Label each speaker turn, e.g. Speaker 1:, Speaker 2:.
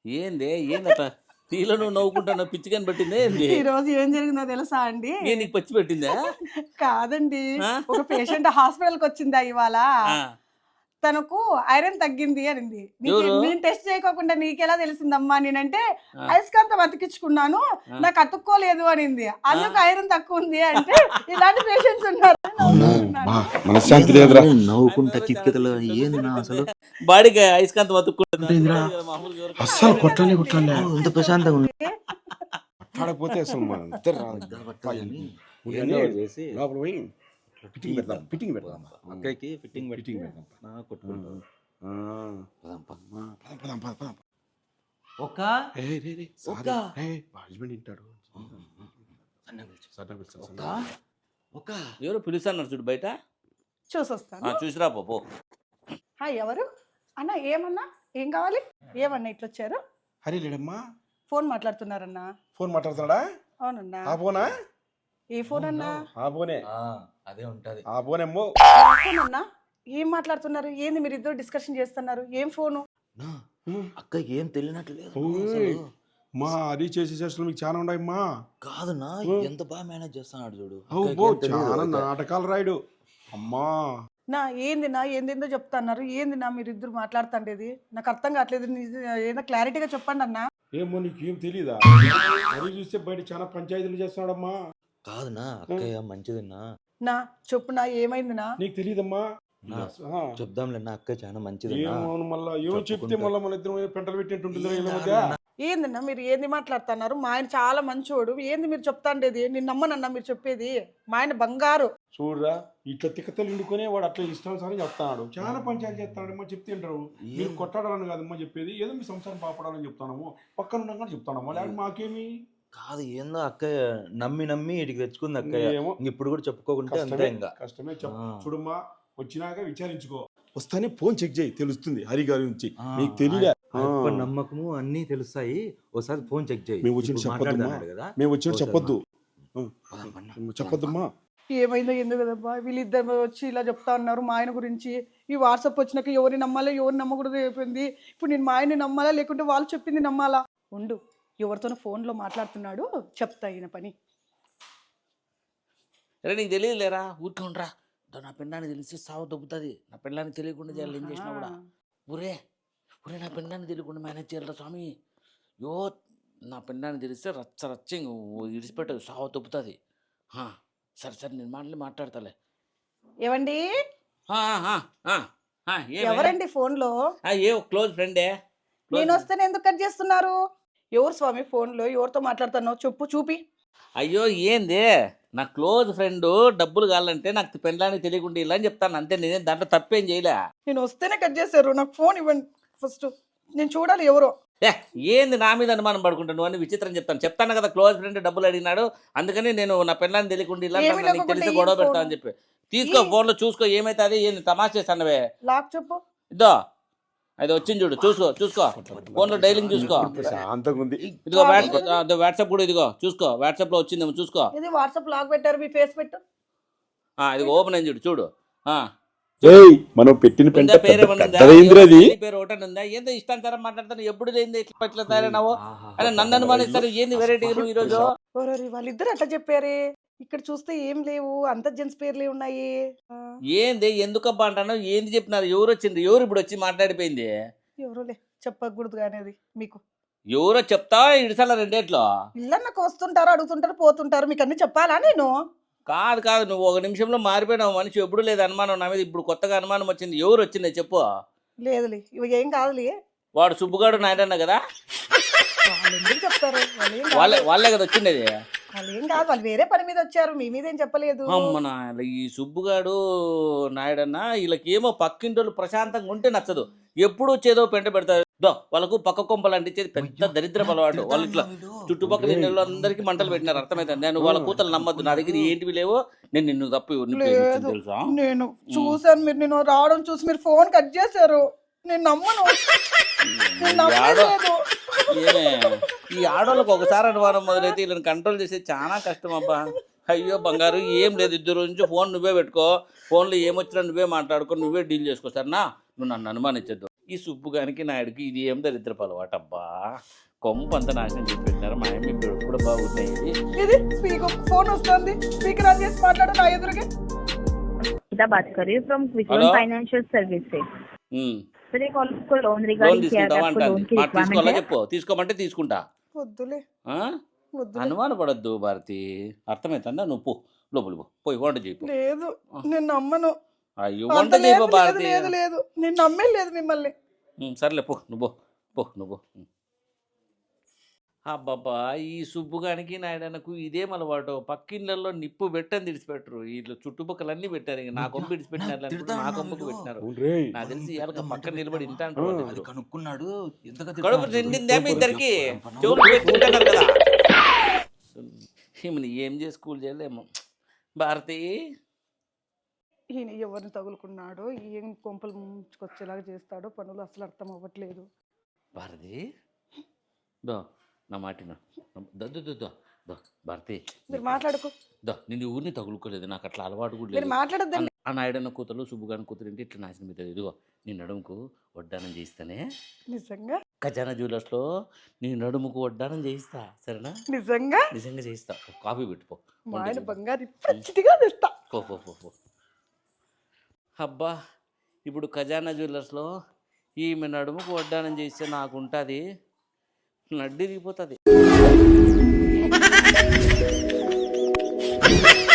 Speaker 1: ఏంది ఏందట తీలో నువ్వు నవ్వుకుంటున్నా పిచ్చికని పెట్టిందే ఏంది
Speaker 2: ఈ రోజు ఏం జరిగిందో తెలుసా అండి?
Speaker 1: నేను నీకు పచ్చి పెట్టిందా
Speaker 2: కాదండి,
Speaker 1: ఆ?
Speaker 2: ఒక పేషెంట్ హాస్పిటల్కి వచ్చిందా ఇవాళ.
Speaker 1: ఆ,
Speaker 2: తనకు ఐరన్ తగ్గింది అనింది.
Speaker 1: ఎవరు?
Speaker 2: నేను టెస్ట్ చేయకోకుండా నీకెలా తెలిసిందమ్మా? నేనంటే
Speaker 1: ఆ.
Speaker 2: అయస్కాంతం అతికించుకున్నాను, నాకు అతుక్కోలేదు అనింది. అందుకు ఐరన్ తక్కువ ఉంది అంటే ఇలాంటి పేషెంట్స్ ఉన్నారు.
Speaker 3: మనశ్శాంతి లేదురా.
Speaker 4: నవ్వుకుంటా కిక్కితలు ఏంది నా అసలు
Speaker 1: బాడీకి అయస్కాంతం అతుక్కుంటుంది
Speaker 3: అస్సలు కొట్టాలి
Speaker 4: ఇంత ప్రశాంతంగా ఉంది.
Speaker 3: కొట్టాడకపోతే అసలు మన ఇద్దరు
Speaker 4: చేసి
Speaker 3: లోపల పోయి ఫిట్టింగ్ పెడదాం
Speaker 4: అక్కడికి ఫిట్టింగ్
Speaker 3: ఫిట్టింగ్ పెడదాం
Speaker 4: కొట్టుకుంటాం.
Speaker 3: పదం.
Speaker 4: ఒక
Speaker 3: హస్బెండ్ వింటాడు.
Speaker 4: ఒక
Speaker 1: ఎవరు పిలుస్తున్నారు చూడు బయట
Speaker 2: చూసొస్తాను.
Speaker 1: చూసిరా పో
Speaker 2: హాయ్, ఎవరు అన్న? ఏమన్నా, ఏం కావాలి? ఏమన్నా ఇట్లా వచ్చారు?
Speaker 3: హరి లేడమ్మా,
Speaker 2: ఫోన్ మాట్లాడుతున్నారన్నా?
Speaker 3: ఫోన్ మాట్లాడుతున్నాడా?
Speaker 2: అవునన్నా.
Speaker 3: ఆ ఫోనా?
Speaker 2: ఏ ఫోన్ అన్నా?
Speaker 3: ఆ ఫోనే,
Speaker 4: అదే ఉంటది.
Speaker 3: ఆ ఫోనేమ్మో.
Speaker 2: ఫోన్ అన్నా? ఏం మాట్లాడుతున్నారు? ఏంది మీరు ఇద్దరు డిస్కషన్ చేస్తున్నారు? ఏం ఫోను?
Speaker 4: అక్కకి ఏం తెలియనట్లేదు
Speaker 3: ఓయ్, మా అది చేసే చేష్టలు మీకు చాలా ఉన్నాయమ్మా.
Speaker 4: కాదన్నా, ఎంత బాగా మేనేజ్ చేస్తున్నాడు చూడు.
Speaker 3: అబ్బో, చాలా నాటకాలు రాయుడు అమ్మా.
Speaker 2: నా ఏంది నా ఏందేందో చెప్తున్నారు? ఏంది నా మీరు ఇద్దరు మాట్లాడుతుండేది? నాకు అర్థం కావట్లేదు. ఏదో క్లారిటీగా చెప్పండి అన్న.
Speaker 3: ఏమో నీకేం తెలీదా? అది చూస్తే బయట చాలా పంచాయతీలు చేస్తున్నాడమ్మా.
Speaker 4: కాదునా, అక్కయ్య మంచిదిన్నా.
Speaker 2: నా చెప్పునా, ఏమైంది నా?
Speaker 3: నీకు తెలీదమ్మా.
Speaker 4: చెప్దాంలే, నా అక్క చాలా మంచిది.
Speaker 3: ఏమో మళ్ళా ఏమో చెప్తే మళ్ళీ మన ఇద్దరు పెంటలు పెట్టినట్టుంటుంది వీళ్ళ మధ్య.
Speaker 2: ఏందన్నా మీరు ఏంది మాట్లాడుతున్నారు? మా ఆయన చాలా మంచోడు. ఏంది మీరు చెప్తాండేది? నేను నమ్మనన్నా మీరు చెప్పేది. మా ఆయన బంగారు.
Speaker 3: చూడరా, ఇట్లా తిక్కతలు ఇండుకొని వాడు అట్లా ఇష్టానుసారం చెప్తాడు. చాలా పంచాయతీ చేస్తాడమ్మా. చెప్తుంటారు మీరు కొట్టాడాలని కాదమ్మా చెప్పేది, ఏదో మీ సంసారం పాపడాలని చెప్తాము. పక్కన ఉన్నాక చెప్తానమ్మా, లేకపోతే మాకేమి
Speaker 4: కాదు. ఏందో అక్కయ్య నమ్మి ఇటుకి తెచ్చుకుంది అక్కయ్య.
Speaker 3: ఏమో
Speaker 4: ఇప్పుడు కూడా చెప్పుకోకుంటే అంతే. ఇంకా
Speaker 3: కష్టమే. చూడమ్మా, వచ్చినాక విచారించుకో. వస్తానే ఫోన్ చెక్ చేయి, తెలుస్తుంది హరి గారి నుంచి. నీకు తెలియలే,
Speaker 4: నమ్మకము అన్ని తెలుస్తాయి. ఒకసారి ఫోన్ చెక్ చేయి.
Speaker 3: మేము వచ్చిన చెప్పొద్దమ్మా, మేము వచ్చినట్టు చెప్పొద్దు, చెప్పొద్దమ్మా.
Speaker 2: ఏమైందో ఎందుకు కదబ్బా? వీళ్ళిద్దరు వచ్చి ఇలా చెప్తా ఉన్నారు మా ఆయన గురించి. ఈ వాట్సాప్ వచ్చినాక ఎవరిని నమ్మాలో ఎవరిని నమ్మకూడదు అయిపోయింది. ఇప్పుడు నేను మా ఆయన్ని నమ్మాలా లేకుంటే వాళ్ళు చెప్పింది నమ్మాలా? ఉండు, ఎవరితోనో ఫోన్లో మాట్లాడుతున్నాడు, చెప్తా ఈయన పని.
Speaker 1: సరే, నీకు తెలియదులేరా, ఊరికే ఉండరా. నా పెండానికి తెలిసి సావు దొబ్బుతుంది. నా పెండానికి తెలియకుండా చేయాలి, ఏం చేసినా కూడా. ఊరే నా పెండానికి తెలియకుండా మేనేజ్ చేయాలరా స్వామి. యో, నా పెండానికి తెలిస్తే రచ్చ ఇడిచిపెట్టదు, సావు దొబ్బుతుంది. సరే నేను మాట్లాడతాలే.
Speaker 2: ఏవండి? ఎవరండి ఫోన్లో?
Speaker 1: ఏ క్లోజ్ ఫ్రెండే.
Speaker 2: నేను వస్తేనే ఎందుకు కట్ చేస్తున్నారు? ఎవరు స్వామి ఫోన్లో? ఎవరితో మాట్లాడుతున్నావు? చెప్పు, చూపి.
Speaker 1: అయ్యో, ఏంది నా క్లోజ్ ఫ్రెండ్ డబ్బులు కావాలంటే నాకు పెండ్లానికి తెలియకుండా ఇలా అని చెప్తాను అంతే. నేనే దాంట్లో తప్పేం చేయలే.
Speaker 2: నేను వస్తేనే కట్ చేశారు. నాకు ఫోన్ ఇవ్వండి ఫస్ట్, నేను చూడాలి ఎవరో.
Speaker 1: ఏంది నా మీద అనుమానం పడుకుంటాను అని విచిత్రం చెప్తాను కదా. క్లోజ్ ఫ్రెండ్ డబ్బులు అడిగినాడు, అందుకని నేను నా పెండ్లాన్ని తెలియకుండా ఇలా తెలిసి గొడవ పెడతా అని చెప్పి తీసుకో, ఫోన్లో చూసుకో ఏమైతుంది. ఏంది తమాషా చేస్తానవే?
Speaker 2: లాక్ చెప్పు.
Speaker 1: ఇదో అది వచ్చింది చూడు, చూసుకో ఫోన్లో డైలింగ్ చూసుకో. ఇదిగో వాట్సాప్ కూడా ఇదిగో చూసుకో, వాట్సాప్ లో వచ్చిందేమో చూసుకో.
Speaker 2: ఇది వాట్సాప్ లాక్ పెట్టారు, మీ ఫేస్ పెట్టు.
Speaker 1: ఇది ఓపెన్ అయింది చూడు.
Speaker 3: మనం పెట్టిన
Speaker 1: పేరు ఒకటే ఉందా? ఏందో ఇష్టానుసారం మాట్లాడతాను, ఎప్పుడు లేని ఇట్లా తయారైనావు అని నన్ను అనుమానిస్తారు. ఏంది వెరైటీ ఈ రోజు?
Speaker 2: వాళ్ళిద్దరు అట్లా చెప్పారే, ఇక్కడ చూస్తే ఏం లేవు, అంత జెంట్స్ పేర్లే ఉన్నాయి.
Speaker 1: ఏంది ఎందుకబ్బా అంటాను? ఏంది చెప్పినారు? ఎవరు వచ్చింది? ఎవరు ఇప్పుడు వచ్చి మాట్లాడిపోయింది?
Speaker 2: ఎవరోలే, చెప్పకూడదు కానీ అది మీకు.
Speaker 1: ఎవరో చెప్తా ఇడిసాల రెండేట్లో.
Speaker 2: ఇల్లన్నకు వస్తుంటారు, అడుగుతుంటారు, పోతుంటారు, మీకు అన్ని చెప్పాలా నేను?
Speaker 1: కాదు, నువ్వు ఒక నిమిషంలో మారిపోయినావు మనిషి. ఎప్పుడు లేదు అనుమానం నా మీద, ఇప్పుడు కొత్తగా అనుమానం వచ్చింది. ఎవరు వచ్చింది చెప్పు.
Speaker 2: లేదులే, ఇవి ఏం కాదులే.
Speaker 1: వాడు సుబ్బుగాడు నాయనన్న కదా,
Speaker 2: చెప్తారు
Speaker 1: వాళ్ళే కదా వచ్చిండేది.
Speaker 2: వాళ్ళు ఏం కాదు, వాళ్ళు వేరే పని మీద వచ్చారు, మీ మీద ఏం చెప్పలేదు.
Speaker 1: అమ్మనా, ఈ సుబ్బుగాడు నాయుడన్న వీళ్ళకి ఏమో పక్కింటోళ్ళు ప్రశాంతంగా ఉంటే నచ్చదు, ఎప్పుడు వచ్చేదో పెంట పెడతారు. వాళ్ళకు పక్క కొంపలు అంటించేది పెద్ద దరిద్ర అలవాటు. వాళ్ళ ఇట్లా చుట్టుపక్కల ఇళ్ళలో అందరికీ మంటలు పెట్టినారు. అర్థమైంది. నేను వాళ్ళ కూతలు నమ్మద్దు, నా దగ్గర ఏంటివి లేవో. నేను నిన్ను తప్పి తెలుసా?
Speaker 2: నేను చూసాను, మీరు నేను రావడం చూసి మీరు ఫోన్ కట్ చేశారు. నేను నమ్మను.
Speaker 1: ఈ ఆడోళ్ళకి ఒకసారి అనుమానం మొదలైతే వీళ్ళని కంట్రోల్ చేసేది చాలా కష్టం అబ్బా. అయ్యో బంగారు, ఏం లేదు, ఇద్దరు నుంచి ఫోన్ నువ్వే పెట్టుకో, ఫోన్లో ఏమొచ్చినా నువ్వే మాట్లాడుకో, నువ్వే డీల్ చేసుకో. సరేనా? నువ్వు నన్ను అనుమానించద్దు. ఈ సుబ్బుగానికి నాయుడికి ఇది ఏం దరిద్రపు అలవాటు అబ్బా. కొంపంత నాశనం చేసి పెట్టినారు. మా అమ్మ ఇప్పుడు కూడా బాగున్నాయి.
Speaker 2: ఇది స్పీకర్ ఫోన్ వస్తుంది, స్పీకర్ ఆన్ చేసి మాట్లాడు నా ఎదురుగా.
Speaker 5: बात कर रही हूँ from Quickloan financial services. Sir एक आपको लोन
Speaker 1: లోన్
Speaker 5: रिगार्डिंग किया
Speaker 1: తీసుకుంటావా
Speaker 5: था, आपको
Speaker 1: అంటాంది.
Speaker 5: लोन की
Speaker 1: మాట తీసుకోవాలా
Speaker 5: रिक्वायरमेंट है।
Speaker 1: చెప్పు. తీసుకోమంటే తీసుకుంటా.
Speaker 2: వద్దులే
Speaker 1: ఆ?
Speaker 2: వద్దులే.
Speaker 1: అనుమానపడద్దు భారతి, అర్థమవుతుందా? నువ్వు పో లోపలి పోయి వంట చేయి.
Speaker 2: లేదు నేను నమ్మను.
Speaker 1: అయ్యో
Speaker 2: అంత
Speaker 1: వంట
Speaker 2: లేదు,
Speaker 1: చేయి
Speaker 2: లేదు,
Speaker 1: భారతి.
Speaker 2: లేదు లేదు నేను నమ్మే లేదు మిమ్మల్ని.
Speaker 1: సర్లే పో నువ్వు పో. అబ్బాబ్బా, ఈ సుబ్బుగానికి నాయుడనకు ఇదేం అలవాటు. పక్కిళ్ళల్లో నిప్పు పెట్టని విడిచిపెట్టరు. వీళ్ళు చుట్టుపక్కలన్నీ పెట్టారు. ఇంక నా కొంప విడిచిపెట్టినారు, నా కొంపకు పెట్టినారు. నాకు తెలిసి ఇవాళ పక్కన నిలబడి ఇంట అంటారు.
Speaker 4: కనుక్కున్నాడు
Speaker 1: కడుపు నిండిందే మీ ఇద్దరికి? చెవులు పెట్టుకుంటున్నారు కదా. ఈమెను ఏం చేసి స్కూల్ చేయలేము. భారతి
Speaker 2: ఈయన ఎవరిని తగులుకున్నాడో, ఏం కొంపలు ముంచుకొచ్చేలాగా చేస్తాడో పనులు అసలు అర్థం అవ్వట్లేదు.
Speaker 1: భారతి దో నా మాటిన దో భారతి
Speaker 2: మీరు మాట్లాడుకో.
Speaker 1: నేను ఊరిని తగులుకోలేదు. నాకు అట్లా అలవాటు కూడా
Speaker 2: మీరు
Speaker 1: లేదు.
Speaker 2: మాట్లాడద్దండి.
Speaker 1: ఆ నాయుడన్న కూతురు సుబ్బుగాని కూతురు ఏంటి ఇట్లా నాశనం అవుతుంది. ఇదిగో నీ నడుముకు వడ్డానం చేయిస్తానే.
Speaker 2: నిజంగా
Speaker 1: ఖజానా జ్యువెలర్స్లో నీ నడుముకు వడ్డానం చేయిస్తా, సరేనా?
Speaker 2: నిజంగా
Speaker 1: నిజంగా చేయిస్తా. కాఫీ పెట్టుకో.
Speaker 2: మా ఆయన బంగారు పచ్చిగా తెస్తా.
Speaker 1: పో. అబ్బా, ఇప్పుడు ఖజానా జ్యువెలర్స్లో ఈమె నడుముకు వడ్డానం చేస్తే నాకు ఉంటుంది, నడ్డి దిగిపోతుంది.